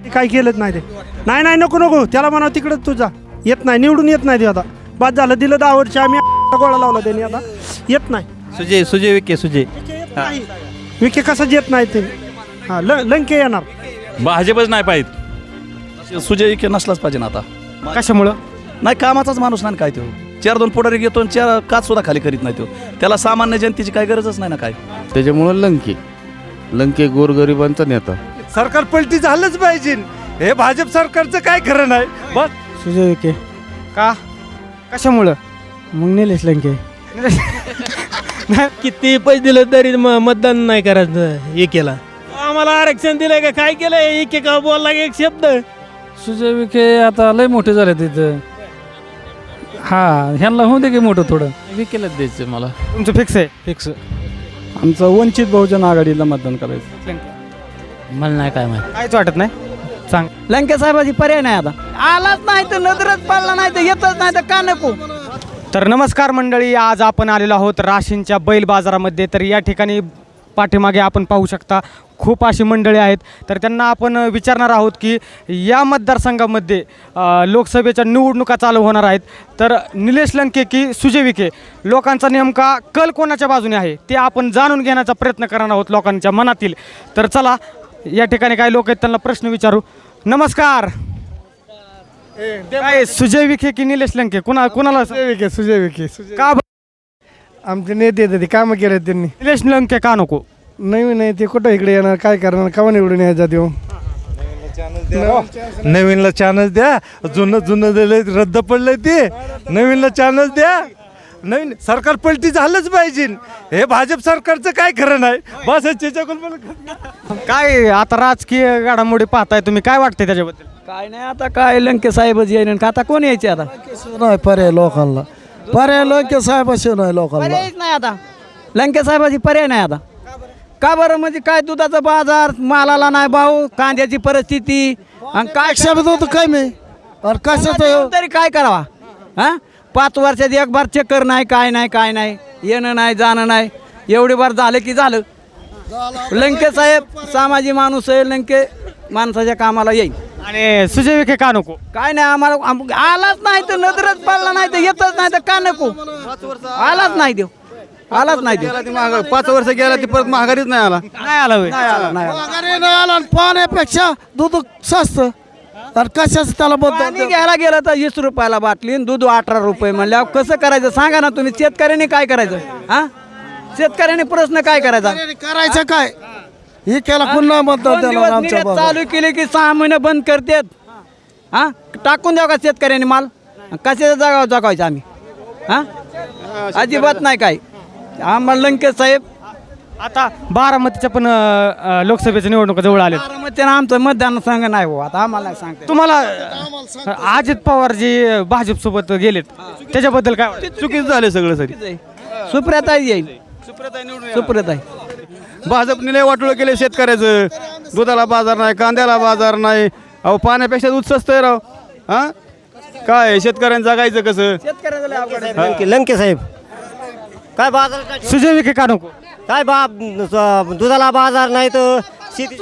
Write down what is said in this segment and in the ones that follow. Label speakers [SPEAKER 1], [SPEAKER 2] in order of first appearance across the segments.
[SPEAKER 1] काय केलंच नाही ते. नाही नको नको त्याला म्हणावं तिकडं तुझा येत नाही, निवडून येत नाही ते आता. बाद झालं, दिलं 10 वर्ष आम्ही गोळा लावला त्यांनी, आता येत नाही.
[SPEAKER 2] सुजय विखे
[SPEAKER 1] विखे कसं येत नाही ते. हां लंके येणार.
[SPEAKER 3] भाजपच नाही पाहिजे.
[SPEAKER 4] सुजय विखे नसलाच पाहिजे ना आता.
[SPEAKER 1] कशामुळं?
[SPEAKER 4] नाही, कामाचाच माणूस नाही काय तो. 4-2 पुढारी घेतो आणि 4 काच सुद्धा खाली करीत नाही तो. त्याला सामान्य जनतेची काय गरजच नाही ना काय.
[SPEAKER 5] त्याच्यामुळं लंके गोरगरिबांचा नेता.
[SPEAKER 1] सरकार पलटी झालंच पाहिजे. हे भाजप सरकारचं काय खरं नाही. बस
[SPEAKER 6] सुजय विखे. का? कशामुळं? मग निलेश लंके.
[SPEAKER 7] किती पैसे दिले तरी मतदान नाही करायचं एकेला. आम्हाला आरक्षण दिलंय का काय केलंय? एके का बोलला एक शब्द.
[SPEAKER 6] सुजय विखे आता लय मोठे झाले तिथं. हा ह्यांना होऊ दे की मोठं थोडं.
[SPEAKER 5] विकेलाच द्यायचं मला.
[SPEAKER 6] तुमचं फिक्स आहे? फिक्स. आमचं वंचित बहुजन आघाडीला मतदान करायचं.
[SPEAKER 7] मला नाही काय माहिती.
[SPEAKER 6] काहीच वाटत नाही. सांग.
[SPEAKER 8] लंके साहेबाची पर्याय नाही आता. आलाच नाही तर नजरच पडला नाही तर येतच नाही तर का नको.
[SPEAKER 6] तर नमस्कार मंडळी, आज आपण आलेलो आहोत राशींच्या बैल बाजारामध्ये. तर या ठिकाणी पाठीमागे आपण पाहू शकता खूप अशी मंडळी आहेत. तर त्यांना आपण विचारणार आहोत की या मतदारसंघामध्ये लोकसभेच्या निवडणुका चालू होणार आहेत. तर निलेश लंके की सुजय विखे, लोकांचा नेमका कल कोणाच्या बाजूने आहे ते आपण जाणून घेण्याचा प्रयत्न करणार आहोत लोकांच्या मनातील. तर चला, या ठिकाणी काही लोक आहेत त्यांना प्रश्न विचारू. नमस्कार. काय सुजय विखे की निलेश लंके, कुणाला?
[SPEAKER 1] सुजय विखे.
[SPEAKER 6] का
[SPEAKER 1] आमचे नेते येतात ते कामं केले त्यांनी.
[SPEAKER 6] निलेश लंके का नको?
[SPEAKER 1] नवीन आहे ते, कुठं इकडे येणार, काय करणार, कवा निवडून यायचा देऊ. नवीनला चान्स द्या. जुनं दिलंय रद्द पडलंय ते. नवीनला चान्स द्या. नवीन सरकार पलटी झालंच पाहिजे. हे भाजप सरकारचं काय खरं नाही. बस
[SPEAKER 6] काय आता राजकीय घडामोडी पाहताय तुम्ही, काय वाटतंय त्याच्याबद्दल?
[SPEAKER 8] काय नाही आता, काय लंके साहेबच येईन का आता कोण यायचे आता?
[SPEAKER 9] नाही पर्याय लोकांना. पर्याय लंके साहेबाशिवाय नाही लोकांना.
[SPEAKER 8] पर्यायच नाही आता. लंके साहेबाची पर्याय नाही आता. का बरं? म्हणजे काय दुधाचा बाजार, मालाला नाही भाव, कांद्याची परिस्थिती आणि काय
[SPEAKER 9] शब्द होतं काय मी और कशाचं
[SPEAKER 8] तरी काय करावा? हा 5 वर्षात एक बार चक्कर नाही, काय नाही येणं नाही जाणं नाही. एवढी बार झालं की झालं. लंके साहेब सामाजिक माणूस आहे. लंके माणसाच्या कामाला येईल.
[SPEAKER 6] आणि सुजय विखे का नको?
[SPEAKER 8] काय नाही आम्हाला आलाच नाही तर नजरच पडला नाही तर येतच नाही तर का नको. आलाच नाही देव.
[SPEAKER 2] 5 वर्ष गेला ती परत महागारीच नाही आला.
[SPEAKER 6] नाही आला होय.
[SPEAKER 9] माघारी नाही आला आणि पाण्यापेक्षा दूध स्वस्त. तर कशाच त्याला
[SPEAKER 8] पाणी घ्यायला गेलं तर 20 रुपयाला बाटली आणि दूध 18 रुपये म्हणल्यावर कसं करायचं सांगा ना तुम्ही. शेतकऱ्यांनी काय करायचं? हा शेतकऱ्यांनी प्रश्न काय करायचा?
[SPEAKER 9] करायचं काय? हे केला पुन्हा मतदान
[SPEAKER 8] दोन दिवस निर्यात चालू केले की 6 महिने बंद करतात. हा टाकून द्यावं का शेतकऱ्यांनी माल? कशाच्या जागा जगायचं आम्ही? हा अजिबात नाही काय. आम्हाला लंके साहेब.
[SPEAKER 6] आता बारामतीच्या पण लोकसभेच्या निवडणुका जवळ आल्या.
[SPEAKER 8] बारामतीनं आमचं मतदानसंघ नाही हो आता. आम्हाला नाही सांगते.
[SPEAKER 6] तुम्हाला अजित पवार जी भाजप सोबत गेलेत त्याच्याबद्दल काय वाटतं?
[SPEAKER 2] चुकीचं झालं सगळं सरी.
[SPEAKER 8] सुप्रियाताई येईल. सुप्रियाताई.
[SPEAKER 2] भाजपने लय वाटोळं केले शेतकऱ्याचं. दुधाला बाजार नाही, कांद्याला बाजार नाही. अहो पाण्यापेक्षा दूध स्वस्त आहे राव. हा काय शेतकऱ्यांनी जगायचं कसं?
[SPEAKER 8] शेतकऱ्याचं
[SPEAKER 10] लंके साहेब काय बाजार.
[SPEAKER 6] सुजय विखे का नको?
[SPEAKER 10] काय दुधाला बाजार नाही तर शेती.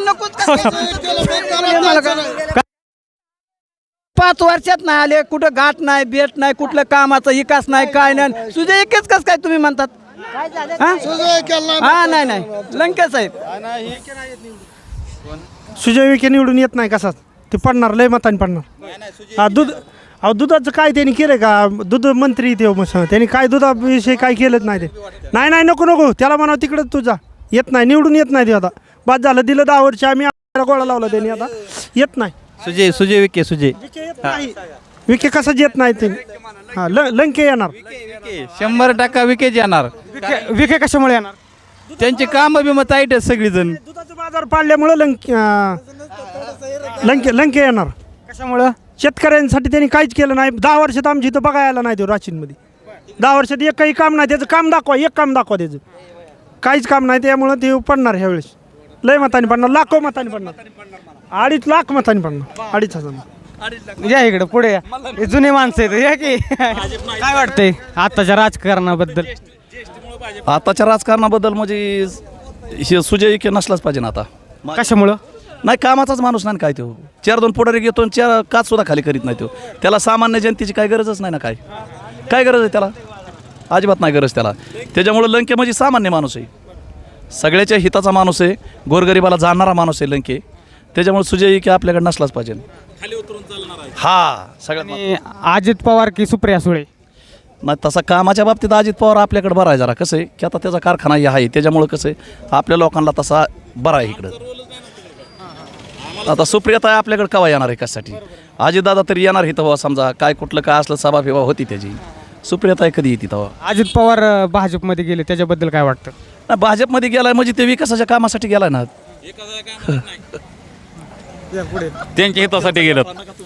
[SPEAKER 8] 5 वर्षात नाही आले, कुठं गाठ नाही, बेट नाही, कुठलं कामाचा विकास नाही, काय नाही. सुजय विखेच कस काय तुम्ही म्हणतात? हा नाही लंके साहेब.
[SPEAKER 1] सुजय विखे निवडून येत नाही कसाच. ते पडणार, लय मताने पडणार. हा दुधाचं काय त्यांनी केलं का? दूध मंत्री ते त्यांनी काय दुधाविषयी काय केलंच नाही ते. नाही नको त्याला म्हणावं तिकडं तुझा येत नाही, निवडून येत नाही ते आता. बाद झालं, दिलं 10 वर्ष आम्ही गोळा लावला त्यांनी, आता येत नाही.
[SPEAKER 2] सुजय विखे.
[SPEAKER 1] विखे कसा येत नाही ते. हा लंके येणार.
[SPEAKER 2] 100% विकेच येणार.
[SPEAKER 6] विखे कशामुळे येणार?
[SPEAKER 2] त्यांचे काम बी मग ताईट आहेत सगळीजण.
[SPEAKER 1] दुधाचा बाजार पाडल्यामुळं लंके येणार.
[SPEAKER 6] कशामुळं?
[SPEAKER 1] शेतकऱ्यांसाठी त्यांनी काहीच केलं नाही. 10 वर्षात आमची इथं बघायला नाही ते राशींमध्ये. 10 वर्षात एक काही काम नाही. त्याचं काम दाखवा, एक काम दाखवा. त्याचं काहीच काम नाही. त्यामुळं ते पडणार ह्यावेळेस. लय मताने पडणार, लाखो मताने पडणार. 2.5 लाख मताने पडणार. 2,500.
[SPEAKER 6] या इकडे पुढे या. हे जुने माणसं आहेत या की. काय वाटतंय आताच्या राजकारणाबद्दल?
[SPEAKER 4] आताच्या राजकारणाबद्दल म्हणजे सुजय विखे नसलाच पाहिजे ना आता.
[SPEAKER 6] कशामुळं?
[SPEAKER 4] नाही कामाचाच माणूस नाही काय तो 4-2 पुढारी घेतो आणि 4 काच सुद्धा खाली करीत नाही तो. त्याला सामान्य जनतेची काय गरजच नाही ना. काय गरज आहे त्याला? अजिबात नाही गरज त्याला. त्याच्यामुळं लंके म्हणजे सामान्य माणूस आहे, सगळ्याच्या हिताचा माणूस आहे, गोरगरिबाला जाणणारा माणूस आहे लंके. त्याच्यामुळे सुजय विखे आपल्याकडे नसलाच पाहिजे. हा सगळ्यात
[SPEAKER 6] आणि अजित पवार की सुप्रिया सुळे?
[SPEAKER 4] नाही तसा कामाच्या बाबतीत अजित पवार आपल्याकडे बरा आहे जरा. कसं आहे की आता त्याचा कारखाना आहे, त्याच्यामुळं कसं आहे आपल्या लोकांना तसा बरा आहे इकडं. आता सुप्रियाताई आपल्याकडे केव्हा येणार आहे कशासाठी? अजितदादा तरी येणार इथं बाबा, समजा काय कुठलं काय असलं सभा फिवा होती त्याची. सुप्रियाताई कधी येते तेव्हा?
[SPEAKER 6] अजित पवार भाजपमध्ये गेले त्याच्याबद्दल काय वाटतं?
[SPEAKER 4] नाही भाजपमध्ये गेलाय म्हणजे ते विकासाच्या कामासाठी गेलाय ना.
[SPEAKER 3] त्यांच्या हितासाठी गेलं.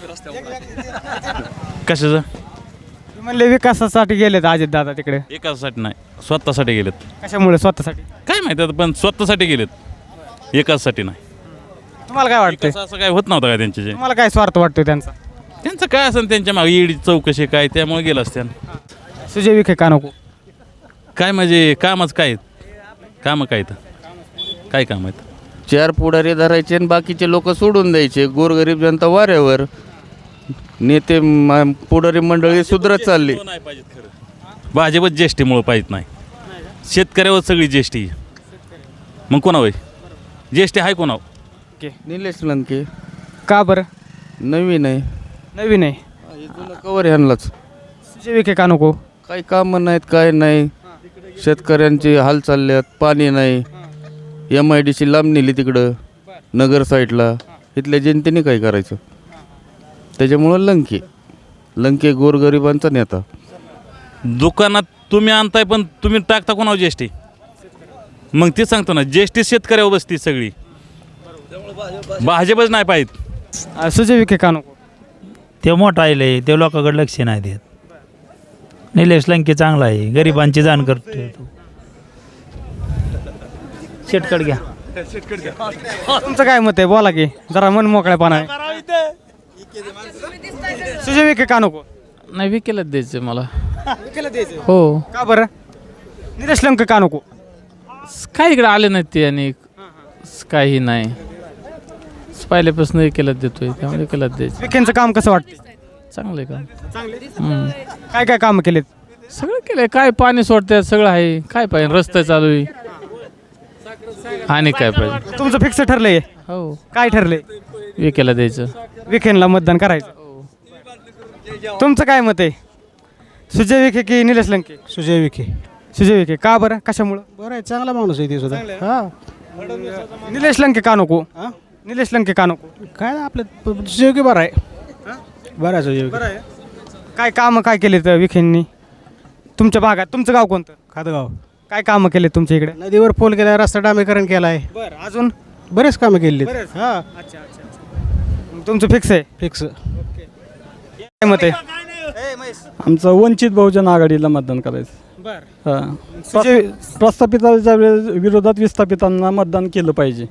[SPEAKER 3] कशाचं?
[SPEAKER 6] म्हणले विकासासाठी गेलेत अजित दादा तिकडे.
[SPEAKER 3] एकासाठी नाही, स्वतःसाठी गेलेत.
[SPEAKER 6] कशामुळे स्वतःसाठी?
[SPEAKER 3] काय माहिती आता, पण स्वतःसाठी गेलेत, एकासाठी नाही.
[SPEAKER 6] तुम्हाला काय वाटतं?
[SPEAKER 3] असं काय होत नव्हतं काय त्यांचे?
[SPEAKER 6] तुम्हाला काय स्वार्थ वाटतोय त्यांचा?
[SPEAKER 3] त्यांचं काय असेल त्यांच्या मागे ईडी चौकशी काय, त्यामुळे गेलं असत्या.
[SPEAKER 6] सुजय विखे का नको?
[SPEAKER 3] काय म्हणजे कामच काय, कामं काय तर काय काम आहेत?
[SPEAKER 5] 4 पुढारी धरायचे आणि बाकीचे लोक सोडून द्यायचे. गोरगरीब जनता वाऱ्यावर. नेते पुढारी मंडळी सुधरत चालली.
[SPEAKER 3] नाही पाहिजेत खरं. भाजपच ज्येष्ठीमुळं पाहिजे नाही, शेतकऱ्यावर सगळी ज्येष्ठी. मग कोणा होय ज्येष्ठी आहे कोणाव?
[SPEAKER 5] निलेश लंके.
[SPEAKER 6] का बरं?
[SPEAKER 5] नवीन आहे.
[SPEAKER 6] नवीन आहे.
[SPEAKER 5] कवर ह्यांनाच.
[SPEAKER 6] सुजय विखे का नको?
[SPEAKER 5] काही कामं नाहीत, काय नाही. शेतकऱ्यांचे हाल चालल्यात, पाणी नाही. MIDC लांब नेली तिकडं नगर साईडला. इथल्या जनतेने काय करायचं? त्याच्यामुळं लंके गोरगरिबांचा नेता.
[SPEAKER 3] दुकानात तुम्ही आणताय पण तुम्ही टाकता कोणावर ज्येष्ठी? मग ते सांगतो ना, ज्येष्ठी शेतकऱ्यावर बसती सगळी. भाजपच नाही पाहिजे.
[SPEAKER 6] सुजय विखे का नको?
[SPEAKER 7] ते मोठा आहे, ते लोकांकडे लक्ष नाही देत. निलेश लंके चांगला आहे, गरिबांची जाण करतो. शेटकड घ्या.
[SPEAKER 6] तुमचं काय मत आहे? बोला की जरा मन मोकळेपणा आहे. सुजय विखे का नको?
[SPEAKER 5] नाही विकेलच द्यायचं मला.
[SPEAKER 6] विखेला द्यायचं?
[SPEAKER 5] हो.
[SPEAKER 6] का बरं? निलेश लंके का नको?
[SPEAKER 5] काय इकडे आले नाहीत ते आणि काही नाही. पहिल्यापासून विकेलच देतोय, त्यामुळे विकेलच द्यायचं.
[SPEAKER 6] विखेंचं काम कसं वाटतं?
[SPEAKER 5] चांगलं आहे का?
[SPEAKER 6] काय काय काम केलेत?
[SPEAKER 5] सगळं केलंय. काय पाणी सोडतात सगळं आहे. काय पाहिजे? रस्ते चालू आहे आणि काय पाहिजे?
[SPEAKER 6] तुमचं फिक्स ठरलंय?
[SPEAKER 5] हो.
[SPEAKER 6] काय ठरलंय?
[SPEAKER 5] विकेला द्यायचं.
[SPEAKER 6] विखेंना मतदान करायचं. तुमचं काय मत आहे? सुजय विखे की निलेश लंके?
[SPEAKER 1] सुजय विखे.
[SPEAKER 6] सुजय विखे. का बरं? कशामुळं?
[SPEAKER 1] बरं आहे, चांगला माणूस आहे ते सुद्धा. हा.
[SPEAKER 6] निलेश लंके का नको? निलेश लंके का नको?
[SPEAKER 1] काय आपलं सुजय विखे बरं आहे. बरं आहे सुजय विखे.
[SPEAKER 6] काय कामं काय केलेत विखेंनी तुमच्या भागात? तुमचं गाव कोणतं?
[SPEAKER 1] खातगाव.
[SPEAKER 6] काय कामं केले तुमच्या इकडे?
[SPEAKER 1] नदीवर पूल केला, रस्ता डांबरीकरण केला आहे.
[SPEAKER 6] बरं. अजून
[SPEAKER 1] बरेच कामं केली. हा.
[SPEAKER 6] अच्छा. तुमचं फिक्स आहे?
[SPEAKER 1] फिक्स.
[SPEAKER 6] काय मत आहे?
[SPEAKER 2] आमचं वंचित बहुजन आघाडीला मतदान करायचं.
[SPEAKER 6] बरं.
[SPEAKER 2] हां. प्रस्थापिताच्या विरोधात विस्थापितांना मतदान केलं पाहिजे.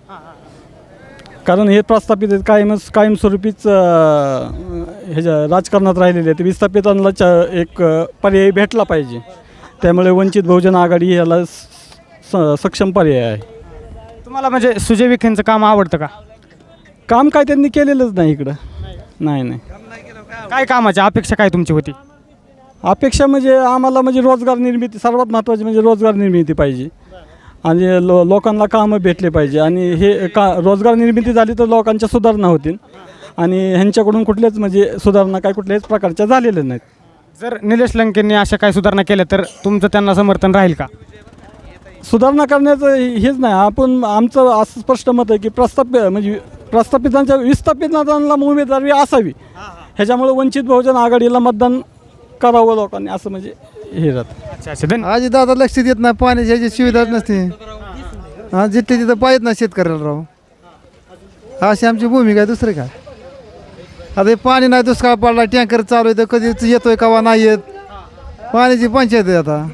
[SPEAKER 2] कारण हे प्रस्थापित कायमस्वरूपीच ह्याच्या राजकारणात राहिलेले आहेत. विस्थापितांना एक पर्याय भेटला पाहिजे. त्यामुळे वंचित बहुजन आघाडी ह्याला सक्षम पर्याय आहे.
[SPEAKER 6] तुम्हाला म्हणजे सुजय विखेंचं काम आवडतं का?
[SPEAKER 2] काम काय त्यांनी केलेलंच नाही इकडं. नाही.
[SPEAKER 6] काय कामाची अपेक्षा काय तुमची होती?
[SPEAKER 2] अपेक्षा म्हणजे आम्हाला म्हणजे रोजगार निर्मिती, सर्वात महत्त्वाची म्हणजे रोजगार निर्मिती पाहिजे आणि लोकांना कामं भेटले पाहिजे. आणि हे रोजगार निर्मिती झाली तर लोकांच्या सुधारणा होतील आणि ह्यांच्याकडून कुठल्याच म्हणजे सुधारणा काय कुठल्याच प्रकारच्या झालेल्या नाहीत.
[SPEAKER 6] जर निलेश लंकेंनी अशा काही सुधारणा केल्या तर तुमचं त्यांना समर्थन राहील का?
[SPEAKER 2] सुधारणा करण्याचं हेच नाही. आमचं असं स्पष्ट मत आहे की प्रस्थापितांच्या विस्थापितांना उमेदवारी असावी. ह्याच्यामुळे वंचित बहुजन आघाडीला मतदान करावं लोकांनी, असं म्हणजे हे राहतं.
[SPEAKER 6] अच्छा.
[SPEAKER 1] आजी दादा लक्ष देत नाही, पाण्याची सुविधाच नसते. हा, जिथे तिथं पाहिजेत ना शेतकऱ्याला राव. अशी आमची भूमिका आहे, दुसरं काय. आता हे पाणी नाही, दुष्काळ पडला, टँकर चालू आहे तर कधी येतोय कवा नाही येत. पाण्याची पंचायत आहे आता.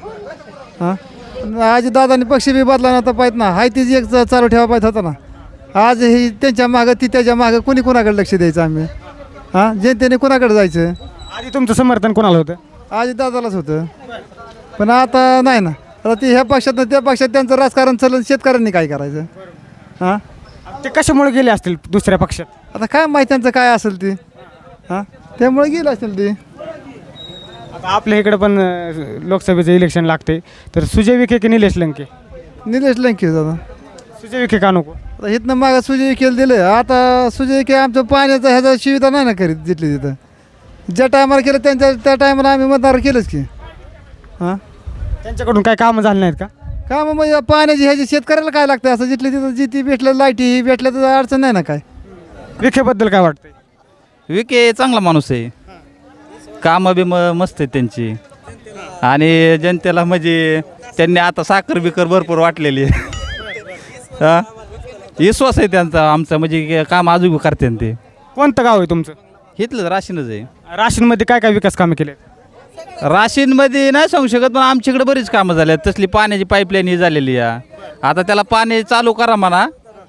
[SPEAKER 1] हां, आजी दादानी पक्ष बी बदला नव्हता पाहिजे ना. हाय तीच एक चालू ठेवा पाहिजे होता ना. आज ही त्यांच्या मागं ती त्याच्या मागं कोणाकडे लक्ष द्यायचं आम्ही? हां, जनतेने कोणाकडे जायचं?
[SPEAKER 6] आधी तुमचं समर्थन कोणाला होतं?
[SPEAKER 1] आजी दादालाच होतं, पण आता नाही ना. आता ते ह्या पक्षात त्या पक्षात त्यांचं राजकारण चाललं, शेतकऱ्यांनी काय करायचं? हां,
[SPEAKER 6] ते कशामुळे गेले असतील दुसऱ्या पक्षात?
[SPEAKER 9] आता काय माहिती त्यांचं काय असेल ते हां त्यामुळे गेलं असेल ते.
[SPEAKER 6] आता आपल्या इकडे पण लोकसभेचं इलेक्शन लागते, तर सुजय विखे की निलेश लंके?
[SPEAKER 9] निलेश लंके दादा.
[SPEAKER 6] सुजय विखे का नको?
[SPEAKER 9] आता इथनं मागं सुजय विखेला दिलं, आता सुजय विखे आमचं पाण्याचं ह्याचा सुविधा नाही ना करीत जिथली तिथं. ज्या टायमाला केलं त्या टायमाला आम्ही मतदार केलंच की. हां
[SPEAKER 6] त्यांच्याकडून काय कामं झाली नाहीत का?
[SPEAKER 9] का मग म्हणजे पाण्याची ह्याची शेतकऱ्याला काय लागतं असं जिथले तिथं जिथे भेटलं लाईटी ही भेटल्या तर अडचण नाही ना काय.
[SPEAKER 6] विखेबद्दल काय वाटतंय?
[SPEAKER 4] विके चांगला माणूस आहे, कामं बी मस्त आहेत त्यांची, आणि जनतेला म्हणजे त्यांनी आता साखर बिकर भरपूर वाटलेली आहे. हां विश्वास आहे त्यांचा आमचा, म्हणजे काम अजून करते ते.
[SPEAKER 6] कोणतं गाव आहे तुमचं?
[SPEAKER 4] इथलं राशीनच आहे.
[SPEAKER 6] राशीनमध्ये काय काय विकास कामं केले?
[SPEAKER 4] राशीनमध्ये नाही सांगू शकत, पण आमच्याकडे बरीच कामं झाली आहेत. तसली पाण्याची पाईपलाईन ही झालेली आहे. आता त्याला पाणी चालू करा म्हणा,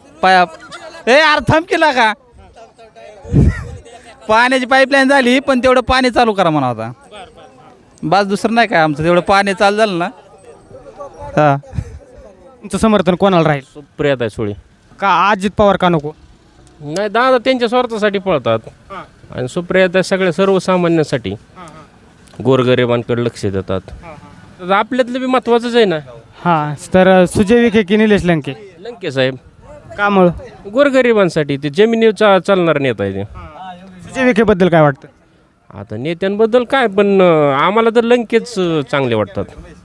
[SPEAKER 4] थांब केला का पाण्याची पाईपलाईन झाली, पण तेवढं पाणी चालू करा म्हणा. आता बस दुसरं नाही काय आमचं, तेवढं पाणी चालू झालं ना. हां
[SPEAKER 6] तुमचं समर्थन कोणाला राहील?
[SPEAKER 7] सुप्रियाताई सुळे.
[SPEAKER 6] का अजित पवार का नको?
[SPEAKER 7] नाही, दादा त्यांच्या स्वार्थासाठी पळतात आणि सुप्रियाताई सगळ्या सर्वसामान्यांसाठी गोरगरिबांकडे लक्ष देतात. तर आपल्यातलं बी महत्वाचंच आहे ना.
[SPEAKER 6] हां, तर सुजय विखे की निलेश लंके?
[SPEAKER 7] लंके साहेब
[SPEAKER 6] कामुळं?
[SPEAKER 7] गोरगरिबांसाठी ते जमिनीचा चालणार नेता आहे ते.
[SPEAKER 6] सुजय विखेबद्दल काय वाटतं?
[SPEAKER 7] आता नेत्यांबद्दल काय, पण आम्हाला तर लंकेच चांगले वाटतात.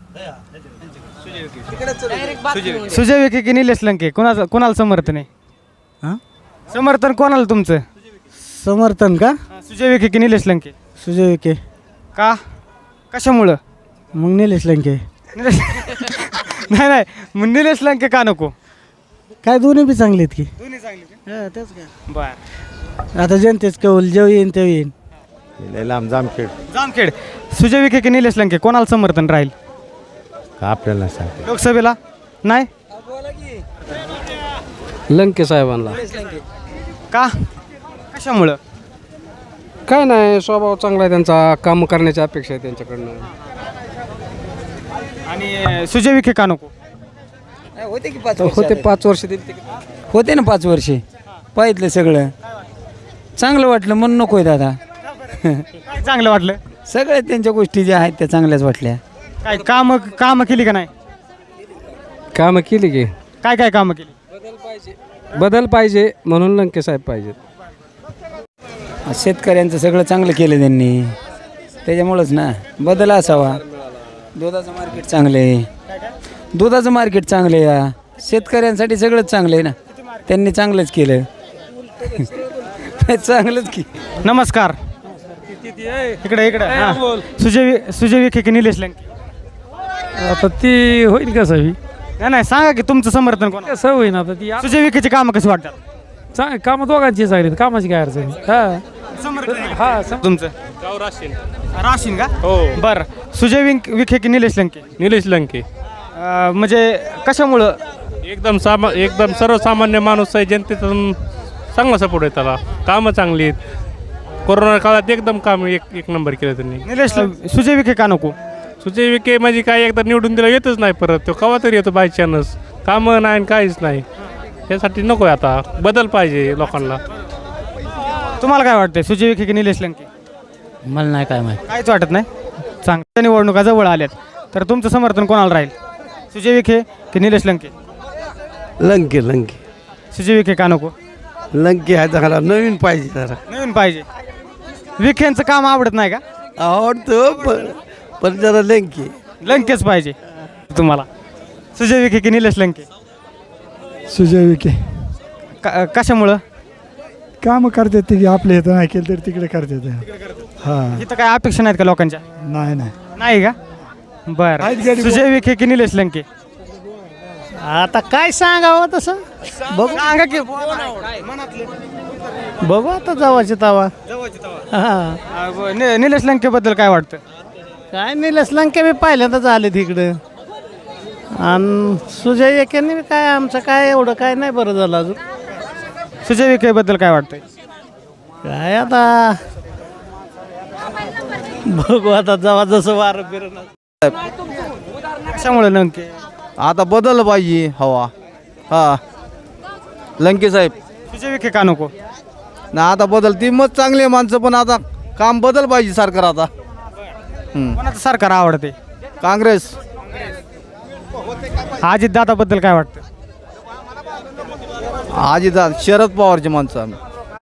[SPEAKER 6] सुजय विखे की निलेश लंके, कोणाला समर्थन आहे?
[SPEAKER 8] हां
[SPEAKER 6] समर्थन कोणाला तुमचं?
[SPEAKER 8] समर्थन का?
[SPEAKER 6] सुजय विखे की निलेश लंके?
[SPEAKER 8] सुजय विखे.
[SPEAKER 6] का? कशामुळं?
[SPEAKER 8] मग निलेश लंके.
[SPEAKER 6] निलेश नाही, मग निलेश लंके का नको?
[SPEAKER 8] काय दोन्ही बी चांगले आहेत की.
[SPEAKER 6] दोन्ही चांगले.
[SPEAKER 8] हां तेच काय.
[SPEAKER 6] बर,
[SPEAKER 8] आता जनतेच कौल जेव येईन तेव्हा येईन.
[SPEAKER 6] जामखेड. सुजय विखे की निलेश लंके, कोणाला समर्थन राहील
[SPEAKER 10] आपल्याला सांग.
[SPEAKER 6] लोकसभेला? नाही
[SPEAKER 2] लंके साहेबांना.
[SPEAKER 6] का? कशामुळं?
[SPEAKER 2] काय नाही, स्वभाव चांगला आहे त्यांचा, काम करण्याची अपेक्षा आहे त्यांच्याकडनं.
[SPEAKER 6] आणि सुजय विखे का नको?
[SPEAKER 8] होते की 5
[SPEAKER 2] होते 5 वर्ष दिली.
[SPEAKER 8] होते ना 5 वर्षे, पाहितलं सगळं चांगलं वाटलं म्हणून नको आहे दादा.
[SPEAKER 6] काय चांगलं वाटलं?
[SPEAKER 8] सगळ्या त्यांच्या गोष्टी ज्या आहेत त्या चांगल्याच वाटल्या.
[SPEAKER 6] काय कामं केली का नाही?
[SPEAKER 2] कामं केली की.
[SPEAKER 6] काय कामं केली?
[SPEAKER 2] बदल पाहिजे म्हणून लंके साहेब पाहिजेत.
[SPEAKER 8] शेतकऱ्यांचं सगळं चांगलं केलं त्यांनी, त्याच्यामुळंच ना बदल असावा. दुधाचं मार्केट चांगलं आहे, दुधाचं मार्केट चांगलं आहे, शेतकऱ्यांसाठी सगळंच चांगलं आहे ना. त्यांनी चांगलंच केलं. चांगलंच की.
[SPEAKER 6] नमस्कार. इकडे हां. सुजय विखे की निलेश लंके?
[SPEAKER 2] आता ती होईल का सवी?
[SPEAKER 6] नाही, सांगा की तुमचं समर्थन कोण?
[SPEAKER 2] कसं होईन आता ती.
[SPEAKER 6] सुजय विखेची कामं कशी वाटतात?
[SPEAKER 2] कामं दोघांची चांगली, कामाची काय अडचण.
[SPEAKER 6] तुमचं राशीन का? हो. बरं, सुजय विखे की निलेश लंके?
[SPEAKER 7] निलेश लंके
[SPEAKER 6] म्हणजे कशामुळं?
[SPEAKER 7] एकदम सर्वसामान्य माणूस आहे, जनतेतून चांगला सपोर्ट आहे त्याला, कामं चांगली आहेत. कोरोना काळात एकदम काम एक नंबर केलं त्यांनी.
[SPEAKER 6] सुजय विखे का नको?
[SPEAKER 7] सुजय विखे म्हणजे काय, एकदा निवडून दिला येतच नाही परत, तो केव्हा तरी येतो बाय चान्स. कामं नाही काहीच नाही, यासाठी नको आहे. आता बदल पाहिजे लोकांना.
[SPEAKER 6] तुम्हाला काय वाटतंय, सुजय विखे की निलेश लंके?
[SPEAKER 8] मला नाही काय माहिती.
[SPEAKER 6] काहीच वाटत नाही. चांगल्या निवडणुका जवळ आल्यात, तर तुमचं समर्थन कोणाला राहील? सुजय विखे की निलेश लंके?
[SPEAKER 9] लंके.
[SPEAKER 6] सुजय विखे का नको?
[SPEAKER 9] लंके आहे चांगला, नवीन पाहिजे जरा.
[SPEAKER 6] नवीन पाहिजे. विखेंचं काम आवडत नाही का?
[SPEAKER 9] आवडतं पण जरा लंके.
[SPEAKER 6] लंकेच पाहिजे तुम्हाला. सुजय विखे की निलेश लंके?
[SPEAKER 9] सुजय विखे.
[SPEAKER 6] कशामुळं?
[SPEAKER 9] कामं करतात ते की आपल्या इथं नाही केलं तर तिकडे करतात. हां
[SPEAKER 6] इथं काय अपेक्षा नाहीत का लोकांच्या? नाही का? बरं, सुजय विखे की निलेश लंके?
[SPEAKER 1] आता काय सांगावं तसं
[SPEAKER 6] सांगा की.
[SPEAKER 1] बघू आता जावाचे तवा.
[SPEAKER 6] निलेश लंके बद्दल काय वाटतं?
[SPEAKER 1] काय निलेश लंके बी पहिल्यांदाच आले तिकडं, आणि सुजय विखेंनी बी काय आमचं काय एवढं काय नाही बरं झालं अजून.
[SPEAKER 6] सुजय विखे बद्दल काय वाटतंय?
[SPEAKER 1] काय आता बघू आता जेव्हा जसं वारं फिरणार.
[SPEAKER 6] कशामुळे लंके?
[SPEAKER 9] आता बदल पाहिजे हवा. हां
[SPEAKER 5] लंके साहेब.
[SPEAKER 6] सुजय विखे का नको?
[SPEAKER 5] ना आता बदल ती मत चांगली आहे माणसं, पण आता काम बदल पाहिजे सरकार आता.
[SPEAKER 6] कोणाचं सरकार आवडते?
[SPEAKER 5] काँग्रेस.
[SPEAKER 6] अजित दादाबद्दल काय वाटतं?
[SPEAKER 5] शरद पवारची माणसं आम्ही.